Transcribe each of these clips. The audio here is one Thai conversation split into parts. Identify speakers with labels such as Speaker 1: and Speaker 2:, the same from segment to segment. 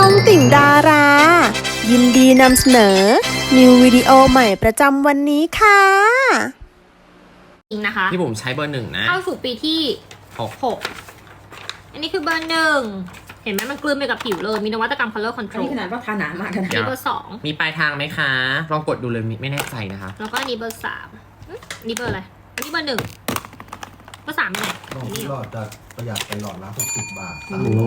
Speaker 1: องติ่งดารา ยินดีนำเสนอ นิววิดีโอใหม่ประจำวันนี้ค่ะ
Speaker 2: จริงนะคะ
Speaker 3: พี่บุ๋มใช้เบอร์หนึ่งนะ
Speaker 2: เข้าสู่ปีที่หกอันนี้คือเบอร์หนึ่งเห็นไหมมันกลืนไปกับผิวเลยมีนวัตกรรม color
Speaker 4: อัน
Speaker 2: control
Speaker 4: นี้ขนาดว่าทาหนามากนะ
Speaker 2: นี่เบอร์สอง
Speaker 3: มีปลายทางไหมคะลองกดดูเลยไม่แน่ใจนะคะ
Speaker 2: แล้วก็อันนี้เบอร์สามนี่เบอร์อะไรอันนี้เบอร์หนึ่งเบอร์สามไปไหน
Speaker 5: ลองที่หลอดจะประหยัดไปหลอดละ60 บาท
Speaker 3: โอ้โห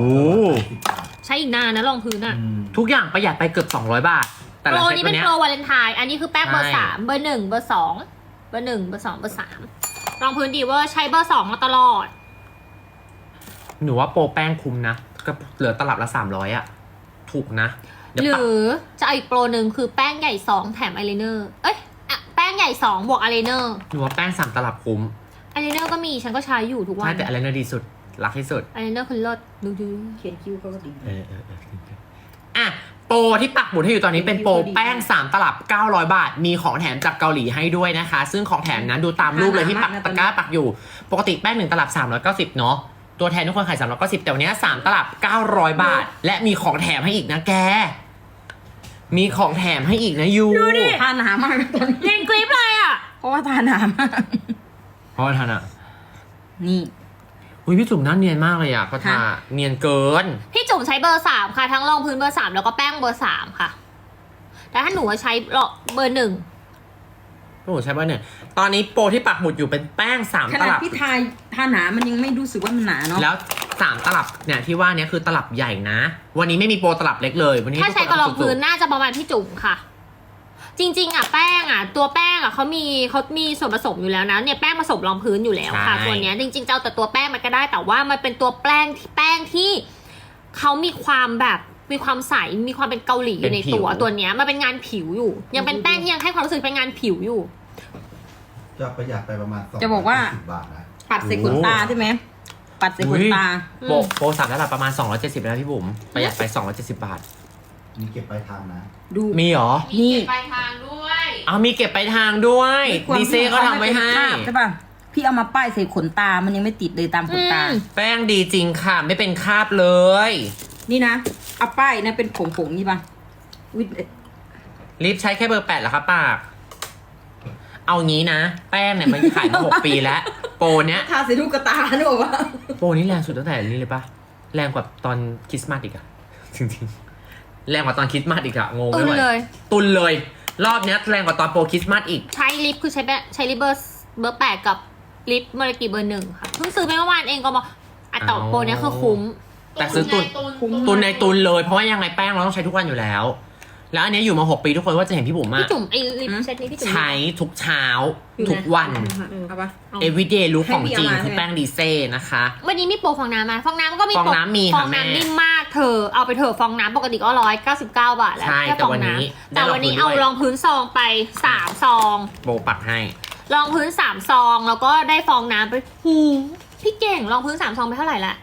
Speaker 5: 10 บาท
Speaker 2: ใช้อีกนานนะรองพื้นอ่ะ
Speaker 3: ทุกอย่างประหยัดไปเกือบ200 บาทแต่
Speaker 2: โปร
Speaker 3: ละเซต
Speaker 2: นี้
Speaker 3: ตั
Speaker 2: เป็
Speaker 3: วน เนี้ย
Speaker 2: โปรวาเลนไทน์อันนี้คือแป้งเบอร์
Speaker 3: ใช่
Speaker 2: สามเบอร์หนึ่งเบอร์สองเบอร์หนึ่งเบอร์สองเบอร์สามรองพื้นดีเวอร์ใช้เบอร์สองมาตลอด
Speaker 3: หนูว่าโปรแป้งคุ้มนะก็เหลือตลับละ300อะถูกนะเดี๋ยว
Speaker 2: ห
Speaker 3: ปะ
Speaker 2: รือจะเอาอีกโปรหนึ่งคือแป้งใหญ่สองแถมอายไลเนอร์เอ้ยแป้งใหญ่สองบวกอายไลเนอร์
Speaker 3: หนูว่าแป้ง3 ตลับคุ้ม
Speaker 2: อายไลเนอร์ก็มีฉันก็ใช้อยู่ทุกวั
Speaker 3: ใช่
Speaker 2: น
Speaker 3: แต่อะไรน่าดีสุดรักที่สุด
Speaker 2: อายไลเนอร์คือเลิศดู
Speaker 4: เขียนคิ้วเขาก็ดี
Speaker 3: อ่ะโปรที่ปักหมุดให้อยู่ตอนนี้เป็นโปรแป้ง3 ตลับ900 บาทมีของแถมจากเกาหลีให้ด้วยนะคะ ซึ่งของแถมนั้นดูตามรูปเลยที่ปักตะกร้าปักอยู่ปกติแป้ง1 ตลับ390เนาะตัวแทนทุกคนขาย390แต่วันนี้3 ตลับ900 บาทและมีของแถมให้อีกนะแกมีของแถมให้อีกนะยู
Speaker 4: ทาหนามากตอนนี้
Speaker 2: เรียนกริปเลยอ่ะ
Speaker 4: เพราะว่าทาหนามาก
Speaker 3: เพราะว่าท่านอ่ะ
Speaker 4: นี่
Speaker 3: อุ้ยพี่จุ๋มหน้าเนียนมากเลยอ่ะก็ทาเนียนเกิน
Speaker 2: พี่จุ๋มใช้เบอร์สามค่ะทั้งรองพื้นเบอร์สามแล้วก็แป้งเบอร์สามค่ะแต่ถ้าหนูใช้เบอร์หนึ่ง
Speaker 3: โอ้โหใช่ป่ะเนี่ยตอนนี้โปรที่ปักหมุดอยู่เป็นแป้ง3
Speaker 4: ข
Speaker 3: ต
Speaker 4: นาด
Speaker 3: ลับ
Speaker 4: พี่ทาหนามันยังไม่รู้สึกว่ามันหนาเนาะ
Speaker 3: แล้ว3 ตลับเนี่ยที่ว่าเนี่ยคือตลับใหญ่นะวันนี้ไม่มีโปรตลับเล็กเลยวันนี้
Speaker 2: ถ้าใช้กับรองพื้นน่าจะประมาณพี่จุ๋มค่ะ จริงๆอ่ะแป้งอ่ะตัวแป้งอ่ะเขามีส่วนผสมอยู่แล้วนะเนี่ยแป้งผสมรองพื้นอยู่แล้วค่ะตัวเนี้ยจริงๆจะเอาแต่ตัวแป้งมันก็ได้แต่ว่ามันเป็นตัวแป้งที่เขามีความแบบมีความใสมีความเป็นเกาหลีอยู่ในตัวเนี้ยมันเป็นงานผิวอยู่ ยังเป็นแป้งที่ยังให้ความรู้สึกเป็นงานผิวอยู่
Speaker 5: จะประหยัดไปประมาณ2
Speaker 4: จะบอกว่า
Speaker 5: 10 บาทนะ
Speaker 4: ปัดใส่ขนตาใช่ไหมปัดใส่ขนตา
Speaker 3: โปร3 ตลับประมาณ270แล้วพี่บุ๋มประหยัดไป270 บาท
Speaker 5: มีเก็บปลายทางนะ
Speaker 4: ดู
Speaker 3: มีเหรอ
Speaker 4: นี่
Speaker 2: ปลายทางด้วย
Speaker 3: เอามีเก็บไปลายทางด้วยดีเซ่ก็ทำไว้ให้
Speaker 4: ใช่ป่ะพี่เอามาป้ายใส่ขนตามันยังไม่ติดเลยตามขนตา
Speaker 3: แป้งดีจริงค่ะไม่เป็นคราบเลย
Speaker 4: นี่นะเอาป้ายนะเป็นผงๆนี่ป่ะวิด
Speaker 3: ลิปใช้แค่เบอร์8แล้วครับปากเอางี้นะ แป้งเนี่ยมันขายมา6 ปีแล้วโปรเนี้ย
Speaker 4: ทาใส่ลูกกระตานึกออกปะ
Speaker 3: โปรนี้แรงสุดตั้งแต่นี้เลยปะแรงกว่าตอนคริสต์มาสอีกอะจริงๆแรงกว่าตอนคริสต์มาสอีกอะงง
Speaker 2: ตุ
Speaker 3: ไม่
Speaker 2: น
Speaker 3: ไหว
Speaker 2: เลย
Speaker 3: ตุนเลยรอบเนี้ยแรงกว่าตอนโปรคริสต์มาสอีก
Speaker 2: ใช้ลิปคือใช้ลิปเบอร์แปดกับลิปเมลกิเบอร์หนึ่งค่ะเพิ่งซื้อไปเมื่อวานเองก็บอกต่อโปรเนี้ยคือคุ้ม
Speaker 3: แต่ซื้อตุนในตุนเลยเพราะว่ายังไงแป้งเราต้องใช้ทุกวันอยู่แล้ว แล้วอันเนี้ยอยู่มา6 ปีทุกคนว่าจะเห็นพี่บุ๋มอะ
Speaker 2: พี่จุ๋มไอลิปเซตนี้พี่จุ๋ม
Speaker 3: ใช้ทุกเช้าทุกวัน
Speaker 4: เอาปะ
Speaker 3: everyday look
Speaker 4: ให้
Speaker 3: ของ
Speaker 4: พี่
Speaker 3: จริง
Speaker 4: เอามา
Speaker 3: คือแป้งดีเซ่นะคะ
Speaker 2: วันนี้มีโปรฟองน้ำมาฟองน้ำก็มี
Speaker 3: ฟองน้ำมี
Speaker 2: ฟ
Speaker 3: ค่ะ
Speaker 2: อง
Speaker 3: แม่
Speaker 2: น้ำนิ่มมากเธอเอาไปเถอะฟองน้ำปกติก็199 บาทแล้ว
Speaker 3: ใช่
Speaker 2: แค่
Speaker 3: แต่
Speaker 2: ฟอง
Speaker 3: วันนี้
Speaker 2: น้ำแต่วันนี้
Speaker 3: ได้
Speaker 2: เอา
Speaker 3: รองพื้นด้วย
Speaker 2: รองพื้นซองไป3 ซอง
Speaker 3: โปรปักให้
Speaker 2: รองพื้น3 ซองแล้วก็ได้ฟองน้ำไปหูพี่เก่งรองพื้น3 ซองไปเท่าไหร่ละ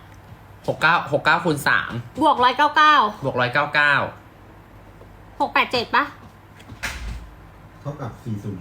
Speaker 3: 69คูณ3
Speaker 2: บวก199
Speaker 3: บวก199
Speaker 2: 687ปะ
Speaker 5: เท่ากับ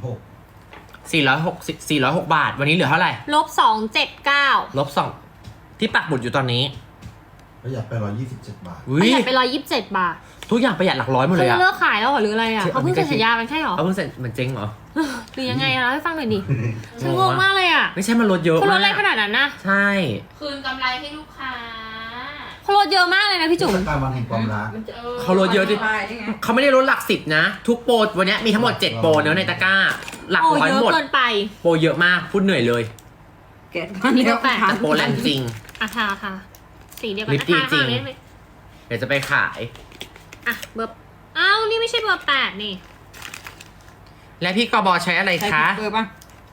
Speaker 3: 406 บาท วันนี้เหลือเท่าไหร่
Speaker 2: ลบ279
Speaker 3: ลบ2ที่ปักหมุดอยู่ตอนนี้
Speaker 5: ประหยัดไป127 บาท
Speaker 2: ประหยัดไป127 บาท
Speaker 3: ทุกอย่างประหยัดหลักร้อยหมดเลย
Speaker 2: เขา
Speaker 3: อะ
Speaker 2: เลิกขายแล้วเหรอหรืออะไรอ่ะ
Speaker 3: ใช่
Speaker 2: เขาเพิ่งเซ็นสัญญากันใช่เหรอ
Speaker 3: เอาเพิ่งเสร็จมันเจ๊งเหรอ
Speaker 2: หรือยังไงอะเล่าให้ฟังหน่อยดิฉันงงมากเลยอ่ะ
Speaker 3: ไม่ใช่มันลดเยอะ
Speaker 2: เขาล
Speaker 3: มา
Speaker 2: ดอะไรข
Speaker 3: ก
Speaker 2: นาดนั้นนะ
Speaker 3: ใช่
Speaker 6: คืนกำไรให้ลูกค้า
Speaker 2: เขาลดเยอะมากเลยนะพี่จุ๋ม
Speaker 5: เทศกาลวันแห่งความรัก
Speaker 3: เขาลดเยอะดิ
Speaker 4: ป้ายนี่ไง
Speaker 3: เขาไม่ได้ลดหลัก10นะทุกโปรวันนี้มีทั้งหมด7 โปรเนอะในตะกร้า หลัก
Speaker 2: โอ้
Speaker 3: ร้อย
Speaker 2: เยอะ
Speaker 3: หมด
Speaker 2: เกินไป
Speaker 3: โปรเยอะมากพูดเหนื่อยเลย
Speaker 4: แกะมันแล้ว
Speaker 2: แปะ
Speaker 3: แต่โปรแรงจริง
Speaker 2: อ่ะค่ะสีเดียวกัน
Speaker 3: ลิปดีจริง
Speaker 2: ได้ไหม
Speaker 3: เดี๋ยวจะไปขาย
Speaker 2: อ่ะเบอร์อ้าวนี่ไม่ใช่เบอร์8นี่
Speaker 3: และพี่กบใช้อะไร
Speaker 4: ใช้
Speaker 3: คะ
Speaker 4: เบอร์ป่ะ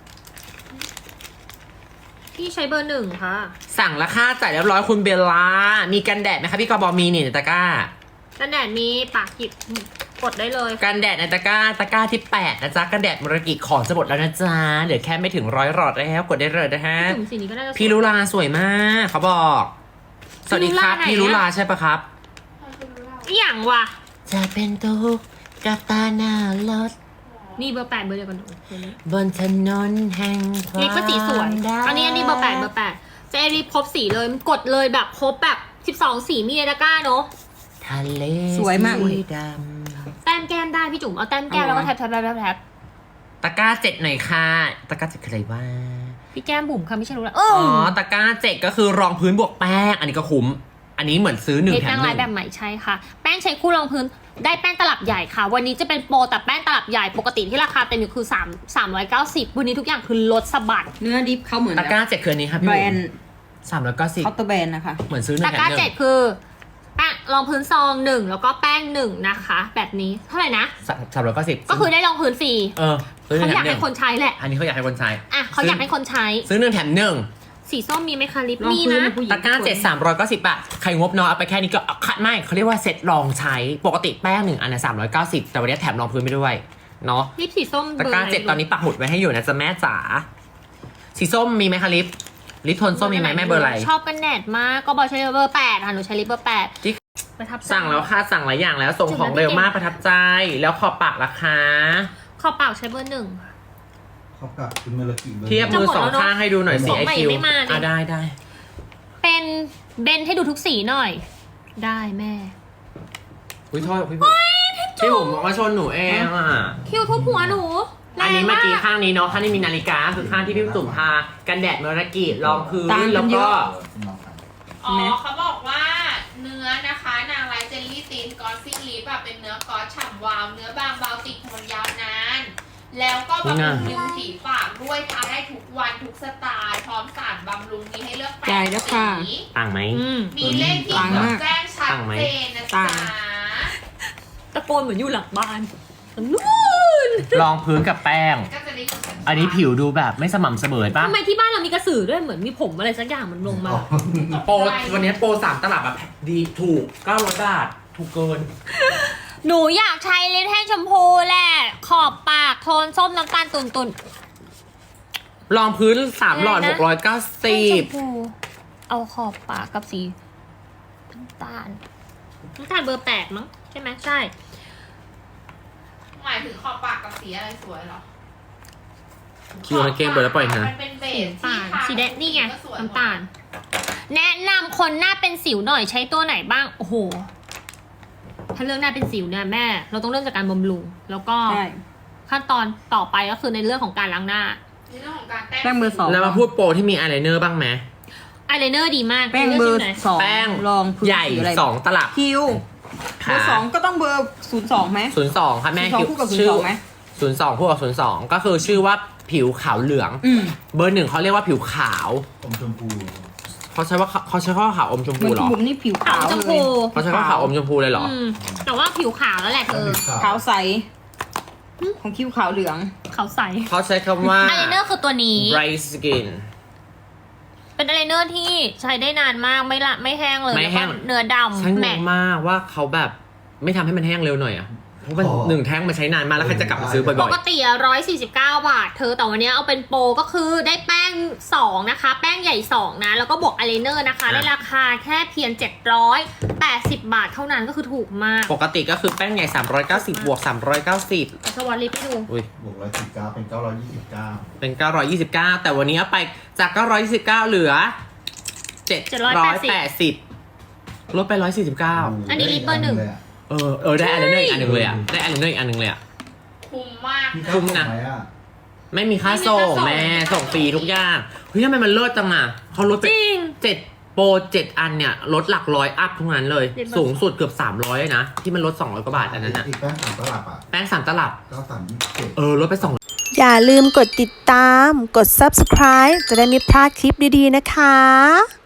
Speaker 2: พี่ใช้เบอร์1ค่ะ
Speaker 3: สั่งราคาจ่ายเรียบร้อยคุณเบลล่ามีกันแดดไหมคะพี่กบมีนี่ในตะกร้า
Speaker 2: กันแดดมีปากหยิบกดได้เลย
Speaker 3: กันแดดในตะกร้าที่8นะจ๊ะกันแดดมรกิของจะหมดแล้วนะจ๊ะเหลือแค่ไม่ถึง100 หลอดแล้วกดได้เลยนะฮะ
Speaker 2: จุ่มสีนี้ก็น่าจะสวย
Speaker 3: พี่ลุลาสวยมากเขาบอกสวัสดีครับ
Speaker 2: พี่
Speaker 3: พี่
Speaker 2: ลุ
Speaker 3: ลุ
Speaker 2: ลา
Speaker 3: ลา
Speaker 2: ไหนอะ
Speaker 3: ใช่ปะครับ
Speaker 2: อหย่างวะ
Speaker 3: จะเป็นตุกกับตาหน้ารถ
Speaker 2: นี่เบอร์8เบอร์เดียวกันหนู
Speaker 3: บนถนนแห่งความ
Speaker 2: ลิปก็สีสวย อันนี้เบอร์8จะไอริปครบสีเลยมันกดเลยแบบครบแบบ12 สีมีในตะกร้าเนอะ
Speaker 3: ทะเล
Speaker 4: สวยมาก
Speaker 3: สีด
Speaker 2: แต้มแก้มได้พี่จุ๋มเอาแต้มแก้มแล้วก็แท็บ
Speaker 3: ำตะกร้า7หน่อยค่ะตะกร้า7คืออะไรวะ
Speaker 2: พี่แก้มบุ๋มค่ะไม่ใช่รู้แล้ว
Speaker 3: อ๋อตะกร้า7ก็คือรองพื้นบวกแป้งอันนี้ก็คุ้มอันนี้เหมือนซื้อ1
Speaker 2: เท
Speaker 3: แถ
Speaker 2: แป้
Speaker 3: ม
Speaker 2: งลายแบบใหม่ใช่ค่ะแป้งใช้คู่รองพื้นได้แป้งตลับใหญ่ค่ะวันนี้จะเป็นโปรแต่แป้งตลับใหญ่ปกติที่ราคาเต็มอยู่คือ390วันนี้ทุกอย่างคือลดสะบัด
Speaker 4: เนื้อดิฟเขาเหมือน
Speaker 3: ตะกร้า7คืออันนี้ครับพี่
Speaker 4: แบร
Speaker 3: บุ๋
Speaker 4: น
Speaker 3: ม
Speaker 4: ด์
Speaker 3: 390
Speaker 4: เคาน์เตอร์แบรนด์นะคะ
Speaker 3: เหมือนซื้อ1
Speaker 2: ตะ
Speaker 3: แถ
Speaker 2: กร้าม
Speaker 3: 1
Speaker 2: 7คือแป้งรองพื้นซอง1แล้วก็แป้ง1นะคะแบบนี้เท่าไหร่นะ
Speaker 3: 390
Speaker 2: ก็คือได้รองพื้นฟรี
Speaker 3: ซื้อ
Speaker 2: เขา
Speaker 3: 1 แถ
Speaker 2: อยาก
Speaker 3: ม
Speaker 2: ให้คนใช้แหละ
Speaker 3: 1อันนี้เขาอยากให้คนใช้
Speaker 2: อ่ะเขาอยากให้คนใช้
Speaker 3: ซื้อ1แถม1
Speaker 2: สีส้มมีไหมคะลิป
Speaker 4: รอง
Speaker 2: มี
Speaker 4: พื้น
Speaker 2: นะ
Speaker 4: ผู้หญิง
Speaker 3: ตะกร้า7 390 บาท ใครงบน้อยเอาไปแค่นี้ก็คัดไม่เขาเรียกว่าเซ็ตลองใช้ ปกติแป้ง1อันนะ390 แต่วันนี้แถมรองพื้นไปด้วย เนาะ
Speaker 2: ลิปสีส้ม
Speaker 3: ตะกร้า
Speaker 2: เบร์ไห
Speaker 3: 7ตอนนี้ปักหมุดไว้ให้อยู่นะจ๊ะแม่จ๋า สีส้มมีไหมคะลิปโทนส้มมีไหมแม่เบอร์อะไร
Speaker 2: ชอบกันแดดมากก็บอกใช้เบอร์8ค่ะหนูใช้ลิปเบอร์8
Speaker 3: จิ๊ก
Speaker 2: ประทับใจ
Speaker 3: สั่งแล้วค่ะสั่งหลายอย่างแล้วส่งของเร็วมากประทับใจ แล้วขอบปากราคา
Speaker 2: ขอบเปล่าใช้เบอร์1
Speaker 5: เขากับคุณเมลกิเบอร์
Speaker 3: เทียบมือ
Speaker 2: จะหมด
Speaker 3: สอง
Speaker 2: แล้วเนอะ
Speaker 3: ข้างให้ดูหน่อยสิ
Speaker 2: ของ
Speaker 3: ไอ
Speaker 2: ใหม่
Speaker 3: คิว
Speaker 2: ไม่มาดิ
Speaker 3: ได้
Speaker 2: เป็นเบนให้ดูทุกสีหน่อย ได้แม่
Speaker 3: อุ้ยโทษพี่ผมบอกว่าชนหนูเองอ่ะ
Speaker 2: คิวทุบหัวหนูแรง
Speaker 3: อันนี้เมื่อกี้
Speaker 2: าก
Speaker 3: ข้างนี้เนาะข้างนี้มีนาฬิกาคือข้างที่พี่ตุ่มทากันแดดเมลกิรองพื้น
Speaker 4: ต่างกัน
Speaker 3: แล้ว
Speaker 4: เย
Speaker 3: ก็
Speaker 4: อะ
Speaker 6: อ๋อเขาบอกว่าเนื้อนะคะ นางไลท์เจลลี่ตีนกอสซี่ลิปอะเป็นเนื้อกอสฉ่ำวาว เนื้อบางเบาติดทนยาวนาน แล้วก็บำรุงริมฝีปากด้วยทาได้ทุกวันทุกสไตล์ พร้อมสารบำรุงมีให้เลือกแป
Speaker 4: จ่าย
Speaker 6: ด
Speaker 4: แล้ว
Speaker 6: สี
Speaker 4: ค่ะ
Speaker 3: ต่างไหม
Speaker 6: มีเลขที่
Speaker 4: ต่าง
Speaker 6: จ
Speaker 4: มา
Speaker 6: ด
Speaker 4: ก
Speaker 6: แจ้งชัด
Speaker 3: ต่างไหม
Speaker 6: เจนนะ
Speaker 4: ต่า
Speaker 6: จ๊ะ
Speaker 4: ง
Speaker 2: ตะโกนเหมือนอยู่หลังบ้านนู่น
Speaker 3: รองพื้นกับแป้ง
Speaker 6: ก็จะได้ดูชัดๆ
Speaker 3: อันนี้ผิวดูแบบไม่สม่ำเสมอป่ะ
Speaker 2: ทำไมที่บ้านเรามีกระสือด้วยเหมือนมีผมอะไรสักอย่างมันลงมา
Speaker 3: โปรวันนี้โปร3 ตลับแบบดีถูก900 บาทถูกเกิน
Speaker 2: หนูอยากใช้ลิปแท่งชมพูแหละขอบปากโทนส้มน้ำตาลตุ่น
Speaker 3: รองพื้น3 หลอด
Speaker 2: อะไรนะ แท่งชม
Speaker 3: 690
Speaker 2: พูเอาขอบปากกับสีน้ำตาลเบอร์8มั้งใช่ไหมใช่
Speaker 6: หมายถึงขอบปากกับสีอะไรสวยเหรอ
Speaker 3: คิวในเกมเปิดแล้วปล่อยนะ
Speaker 6: มันเป็นเบ
Speaker 2: สี
Speaker 6: สที่
Speaker 2: น้ำตาล
Speaker 6: ทา
Speaker 2: สีแดงนี่ไง
Speaker 6: ก็สวย
Speaker 2: น้ำตาล แนะนำคนหน้าเป็นสิวหน่อยใช้ตัวไหนบ้างโอ้โหถ้าเรื่องหน้าเป็นสิวเนี่ยแม่ เราต้องเริ่มจากการบำรุงแล้วก็
Speaker 4: ใช่
Speaker 2: ขั้นตอนต่อไปก็คือในเรื่องของการล้างหน้า
Speaker 6: ในเรื่องของการ
Speaker 4: แป้งเบอร์2
Speaker 3: แล้วมาพูดโปรที่มีอายไลเนอร์บ้างไหม
Speaker 2: อายไลเนอร์ดีมาก
Speaker 4: แป้งเบอร์
Speaker 2: ลืกชิ้นไหน
Speaker 4: 2
Speaker 3: แป้ง
Speaker 4: รองพื้น
Speaker 3: ใหญ่
Speaker 4: สีอะไร
Speaker 3: 2 ตลับ
Speaker 4: คิวเบอร์2ก็ต้องเบอร์02ไหม
Speaker 3: 02ค่ะแม่
Speaker 4: 02
Speaker 3: คิว
Speaker 4: คู่กับ
Speaker 3: ชื่อ
Speaker 4: 02ไหม
Speaker 3: 02คู่กับ02ก็คือชื่อว่าผิวขาวเหลือง เบอร์ 1เขาเรียกว่าผิวขาว
Speaker 5: อมชมพู
Speaker 3: เขาใช้ข้อขาวอมชม
Speaker 4: เหมื
Speaker 3: พู
Speaker 4: อน
Speaker 3: เหรอ
Speaker 4: บุ๋มนี่ผิว
Speaker 2: ขา
Speaker 4: ขาว ว
Speaker 2: ชม
Speaker 4: เล
Speaker 2: พู
Speaker 4: ย
Speaker 3: เขาใช้ข้อขาวอมชมพูเลยเหรอ
Speaker 2: แต่ว่าผิวขาวแล้วแหละเธอ
Speaker 4: ขาวใส ของคิวขาวเหลือง
Speaker 2: ขาวใส
Speaker 3: เขาใช้คำว่า
Speaker 2: อายไลเนอร์คือตัวนี้
Speaker 3: bright skin
Speaker 2: เป็นอายไลเนอร์ที่ใช้ได้นานมากไม่แห้งเลย
Speaker 3: ไม่แห้ง
Speaker 2: ล้วก็เนื้อ
Speaker 3: ฉัน
Speaker 2: ดำ
Speaker 3: ง
Speaker 2: แม
Speaker 3: ง
Speaker 2: ท
Speaker 3: มากว่าเขาแบบไม่ทำให้มันแห้งเร็วหน่อยอ่ะเพราะมัน1 แท่งมันใช้นานมากแล้วใครจะกลับมาซื้อบ่
Speaker 2: ป
Speaker 3: อย
Speaker 2: กติอะ149 บาท เธอแต่วันนี้เอาเป็นโปรก็คือได้แป้ง2นะคะ แป้งใหญ่2นะแล้วก็บวกอายไลเนอร์นะคะในราคาแค่เพียง780 บาทเท่านั้นก็คือถูกมาก
Speaker 3: ๆปกติก็คือแป้งใหญ่390บวก390
Speaker 2: สวัสดีพี่ดู
Speaker 3: อุ้ย
Speaker 5: บวก119เป็น929
Speaker 3: เป็น929แต่วันนี้เอาไปจาก929เหลือ780ลดไป149
Speaker 2: อันนี้ลิปเบอร์ 1
Speaker 3: ได้อันนึงอีกอันหนึงเลยอ่ะได้อันนึงอีกอันหนึงเลยอ่ะ
Speaker 6: คุ้มมาก
Speaker 5: มี
Speaker 3: คุ้มนะ
Speaker 5: ไหมอ่ะ
Speaker 3: ไม่มีค่าส่งแม่ส่งฟรีทุกอย่างเฮ้ยทำไมมันเลิศจังอ่ะเขาลดไป
Speaker 2: จริง
Speaker 3: 7 โปร 7 อันเนี่ยลดหลักร้อยอัพทุกนั้นเลย
Speaker 2: เด็ดมาก
Speaker 3: สูงสุดเกือบ300เลยนะ ที่มันลด200 กว่าบาทอันนั้นอ่ะ
Speaker 5: อีกแป้ง3 ตลับอ่ะ
Speaker 3: แป้ง3 ตลับ
Speaker 5: 9327
Speaker 3: ลดไป2
Speaker 1: อย่าลืมกดติดตาม กด subscribe จะได้ไม่พลาดคลิปดีๆนะคะ